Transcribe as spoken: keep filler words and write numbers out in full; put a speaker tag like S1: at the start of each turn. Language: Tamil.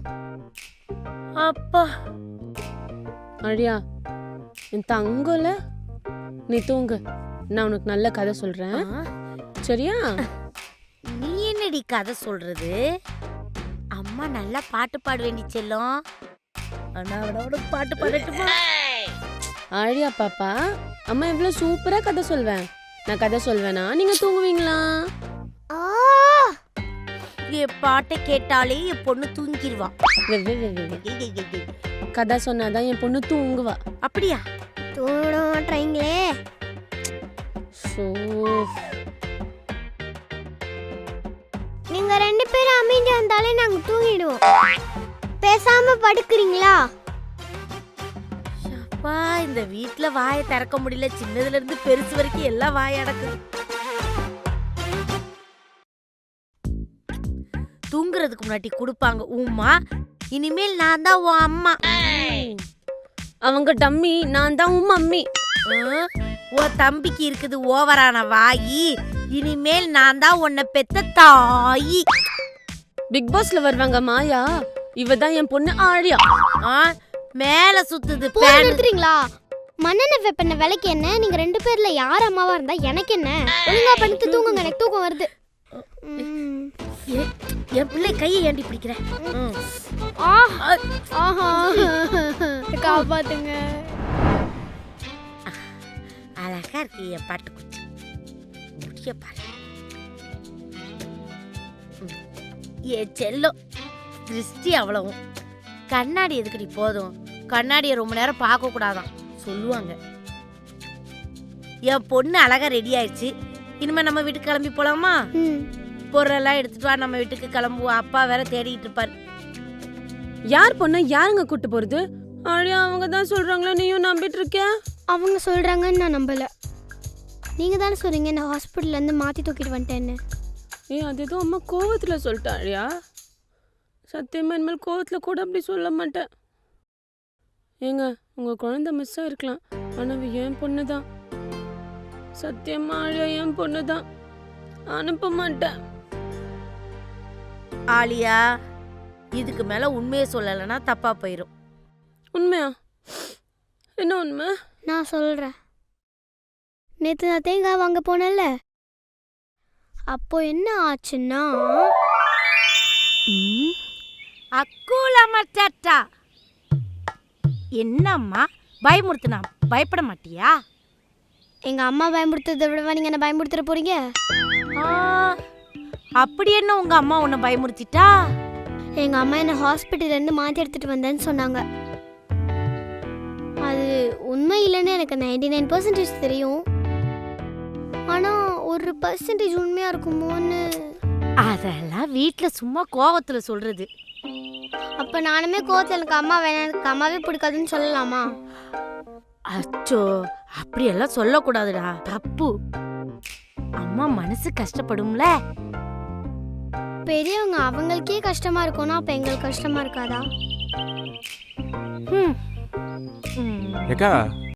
S1: அப்பா
S2: அழியா என் தங்கல, நீ தூங்கு, நான் உனக்கு நல்ல கதை சொல்றேன், சரியா?
S1: நீ என்னடி கதை சொல்றது? அம்மா நல்லா பாட்டு பாட வேண்டி செல்லும். அண்ணாவோட பாட்டு பாடட்டுமா?
S2: அழியா பாப்பா, அம்மா எவ்வளவு சூப்பரா கதை சொல்வேன். நான் கதை சொல்வேனா நீங்க தூங்குவீங்களா?
S1: என் பாட்டை கேட்டாலே என் பொண்ணு தூங்கிடுவா.
S2: கதை சொன்னாதான் என் பொண்ணு தூங்குவா.
S1: அப்படியா?
S3: தூங்க மாட்டீங்களே. நீங்க ரெண்டு பேரும் அமைதியா இருந்தாலே நாங்க தூங்கிடுவோம். பேசாம படுக்கிறீங்களா?
S1: அப்பா, இந்த வீட்டுல வாயை திறக்க முடியல. சின்னதுல இருந்து பெருசு வரைக்கும் எல்லாம் வாய் அடக்குது. தூங்குறதுக்கு முன்னாடி கொடுப்பாங்க உம்மா. இனிமேல் நான் தான் உன் அம்மா.
S2: அவங்க டம்மி, நான் தான் உன் மம்மி.
S1: உன் தம்பிக்கு இருக்குது ஓவரான வாயி. இனிமேல் நான் தான் உன்னை பெத்த தாயி.
S2: பிக் பாஸ்ல வருவாங்க மாயா, இவ தான் என் பொண்ணு ஆழியா.
S1: மேல சுத்துது.
S3: எடுத்துறீங்களா? மண்ணெண்ணெய் வெப்பெண்ண விலைக்கு என்ன? நீங்க ரெண்டு பேர்ல யார் அம்மாவா இருந்தா எனக்கு என்ன? ஒழுங்கா பண்ணிட்டு தூங்குங்க, எனக்கு தூக்கம் வருது.
S1: என் பிள்ளை கையை ஏண்டி பிடிக்கிற?
S3: காப்பாத்துங்க.
S1: அழகா இருக்கு என் பாட்டு குச்சி. முடிய பாரு. என் செல்லம் திருஷ்டி அவ்வளவும். கண்ணாடி எதுக்குடி? போதும், கண்ணாடியை ரொம்ப நேரம் பார்க்க கூடாதான் சொல்லுவாங்க. என் பொண்ணு அழகா ரெடி ஆயிடுச்சு. இனிமே நம்ம வீட்டுக்கு கிளம்பி போலாமா? பொருளெல்லாம் எடுத்துட்டு வா, நம்ம வீட்டுக்கு கிளம்புவோம். அப்பா வேற தேடிட்டு இருப்பாரு.
S2: யார் பொண்ணு யாருங்க கூட்டு போறது? ஆழியா அவங்க தான் சொல்றாங்களா, நீயும் நம்பிட்டு இருக்க?
S3: அவங்க சொல்றாங்கன்னு நான் நம்பல. நீங்க தானே சொல்றீங்க நான் ஹாஸ்பிட்டல்ல இருந்து மாத்தி தூக்கிட்டு வந்துட்டேன்னு.
S2: ஏ, அது ஏதோ அம்மா கோவத்துல சொல்லிட்டா ஆழியா. சத்தியமா இனிமேல் கோவத்துல கூட அப்படி சொல்ல மாட்டேன். ஏங்க, உங்க குழந்தை மிஸ் ஆயிருக்கலாம், ஆனா என் பொண்ணு தான். சத்தியமா ஆழியா என் பொண்ணு தான். அனுப்ப மாட்டேன்.
S1: ஆலியா, இதுக்கு மேல உண்மையை சொல்லலைன்னா தப்பா போயிடும்.
S2: உண்மையா? என்ன உண்மை?
S3: நான் சொல்றேன். நேத்து நான் தேங்காய் வாங்க போனேன்ல, அப்போ என்ன ஆச்சுன்னா,
S1: அக்கூலா மச்சாட்டா. என்னம்மா பயமுறுத்துனா? பயப்பட மாட்டியா?
S3: எங்க அம்மா பயமுறுத்துறதை விடவா நீங்க என்ன பயமுறுத்துற போறீங்க?
S1: அப்படி என்ன உங்க அம்மா உன்னை பயமுறுத்திட்டா?
S3: எங்க அம்மா என்ன ஹாஸ்பிட்டல்ல இருந்து மாத்தி எடுத்துட்டு வந்தேன்னு சொன்னாங்க. அது உண்மை இல்லைன்னு எனக்கு நைன்டி நைன் பர்சன்டேஜ் தெரியும். ஆனா ஒரு பர்சன்டேஜ் உண்மையா இருக்குமோன்னு.
S1: அதெல்லாம் வீட்டுல சும்மா கோவத்துல சொல்றது.
S3: அப்ப நானுமே கோவத்துல எனக்கு அம்மா வேணாம், எனக்கு அம்மாவே பிடிக்காதுன்னு சொல்லலாமா?
S1: அச்சோ, அப்படியெல்லாம் சொல்லக்கூடாதுடா, தப்பு. அம்மா மனசு கஷ்டப்படும்ல.
S3: பெரியவங்க அவங்களுக்கே கஷ்டமா இருக்கும்னா அப்ப எங்களுக்கு கஷ்டமா இருக்காதா?
S4: ஏக்கா,